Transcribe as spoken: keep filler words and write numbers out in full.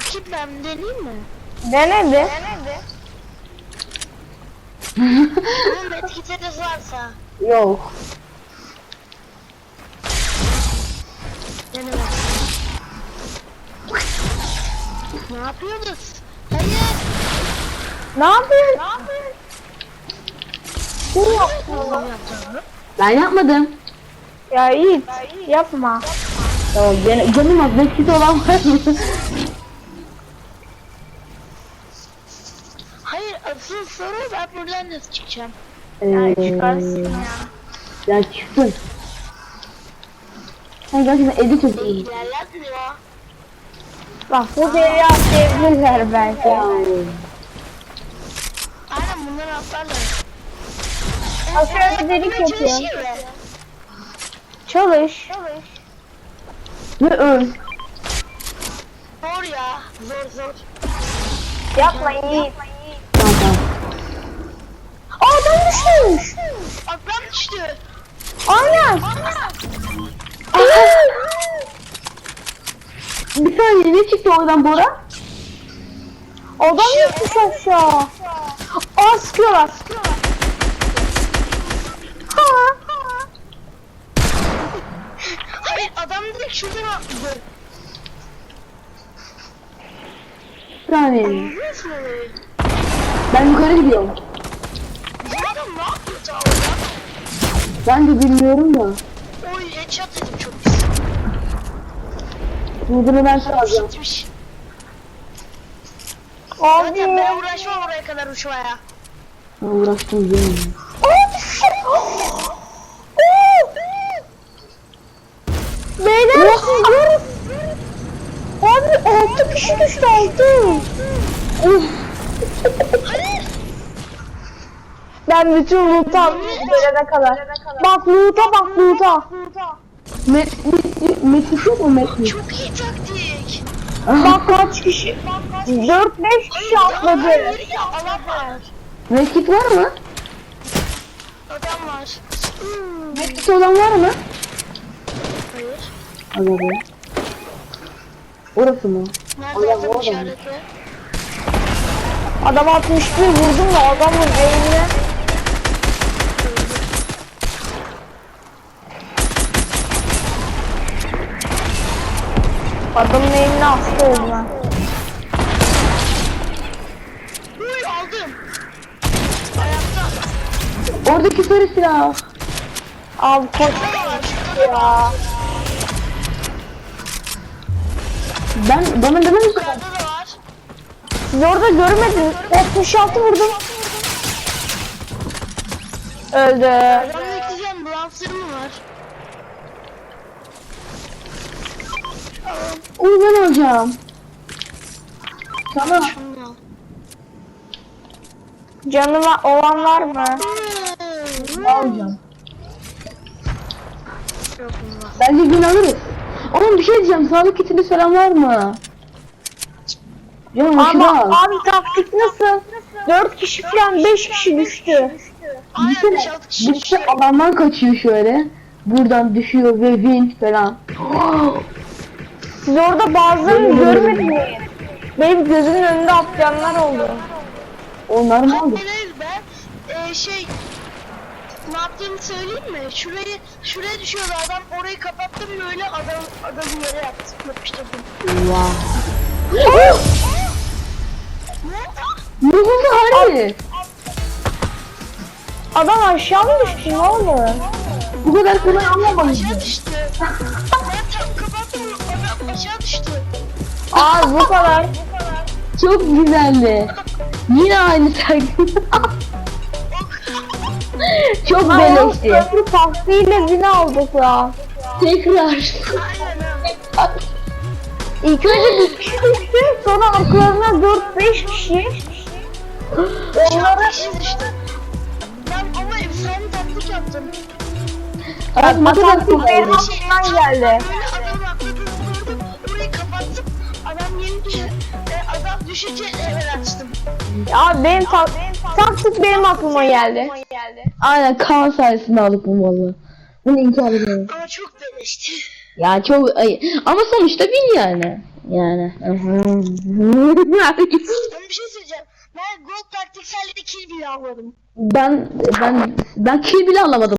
Bakayım ben deneyeyim mi? Dene bir. Dene Bunun etiketi varsa. Yok. Dene bak. Ne yapıyorsunuz? Hayır. Ne yapıyorsun? Ne yapıyorsun? Kim yaptı Ne onu? yapacağım? Ben yapmadım. Ya Yiğit yapma. Tamam ben, canım az bekçisi olan var mı? Hayır, asıl soru ben buradan nasıl çıkacağım? Ya Eee, çıkarsın ya. ya çıktın. Sen gerçekten evde çok iyi. İlerlenmiyor. Bak bu deri atlayabilirler belki. Aynen bunları atlarlar. Aşağıda delik yapıyor. Çalışıyor be. Çalış. Ve öl. Zor ya. Zor zor. Yapma Yiğit. Tamam tamam. Aa adam düşmüş. Atlan düştü. Aynen. Bir saniye ne çıktı oradan Bora? Adam düşmüş aşağı. Aa sıkıyorlar. Ha. Hayır, adam direkt şuradan atladı. Bir saniye. Anlıyorsun orayı. Ben yukarı gidiyorum. Bizim adam ne yapıyor ta orada? Ben de bilmiyorum da. Oy, headshot dedim çok pis. Bunu ben soracağım. Gitmiş. Abi. Zaten ben uğraşmam oraya kadar uçmaya. Ben uğraştım değil mi? Aa düştü. Beyler siz görün. Abi altı kişi düştü altı. Of. Ben bütün loot'u aldım gelene kadar. Bak loot'a bak loot'a. Met, met, met yok mu met? Çok iyi taktik. Bak kaç kişi. dört beş kişi atladı. Hayır ya, adam var. Medkit var mı? Adam var. Hmm. Medkit olan var mı? Hayır. Anladım. Orası mı? Nerede Adam adam orada mı? işareti? Adam altmış bir vurdum da adamın beynine. Adamın eline hasta oldu lan. Uy, aldım. Ayakta. Oradaki sarı silah. Abi koş Şurada var. Şurada da var. ya. Ben bana demem misin? Yukarıda da var. Siz orada görmediniz. altmış altı vurdum. Öldü. Adam bekleyeceğim. Blanfları mı var? Onu ben alacağım. Tamam. Şunu al. Canıma olan var mı? Hmm. Alacağım. Yok bunlar. Bence gün alırız. Oğlum bir şey diyeceğim. Sağlık kitinde selam var mı? Canım hoşuna Ama al. abi taktik nasıl? dört kişi falan beş kişi düştü. Aynen, Düşünsene, beş altı kişi birisi düşüyor. adamdan kaçıyor şöyle. Buradan düşüyor ve win falan. Siz orada bazılarını görmediniz. Benim gözümün önünde atlayanlar oldu. Onlar mı oldu? Hayır, ben e, şey ne yaptığımı söyleyeyim mi? Şurayı şuraya düşüyordu adam, orayı kapattım böyle, adam adamı yere yaptım, yapıştırdım. Wow. Ne oldu? Ne oldu Harbi? Adam aşağı mı düştü ne oldu? Bu kadar kolay anlamadım. Aşağı düştü. Ben tam kapattım, adam aşağı düştü. Abi bu kadar. Çok güzeldi. Yine aynı taktik. Çok Ayağım beleşti. köprü taktiğiyle bini aldık ya. Tekrar. Aynen ha. İlk önce bir kişi düştü sonra arkalarına dört beş kişi. Aşağı kişi düştü. Ben ama efsane taktik yaptım. Evet, Bu taktik benim oldu. aklımdan geldi. Böyle adamı atladım, vurdum, orayı kapattım. Adam yeni düştü. E, adam düşünce evvel açtım. Ya benim ta taktik benim aklıma geldi. Aynen Kaan sayesinde aldık bunu valla. Bunu inkar edemem. Ama çok beleşti. Ya çok ay ama sonuçta bin yani. Yani. Ben bir şey söyleyeceğim. Ben Gold taktikselde kill bile almadım. ben ben ben kill bile alamadım.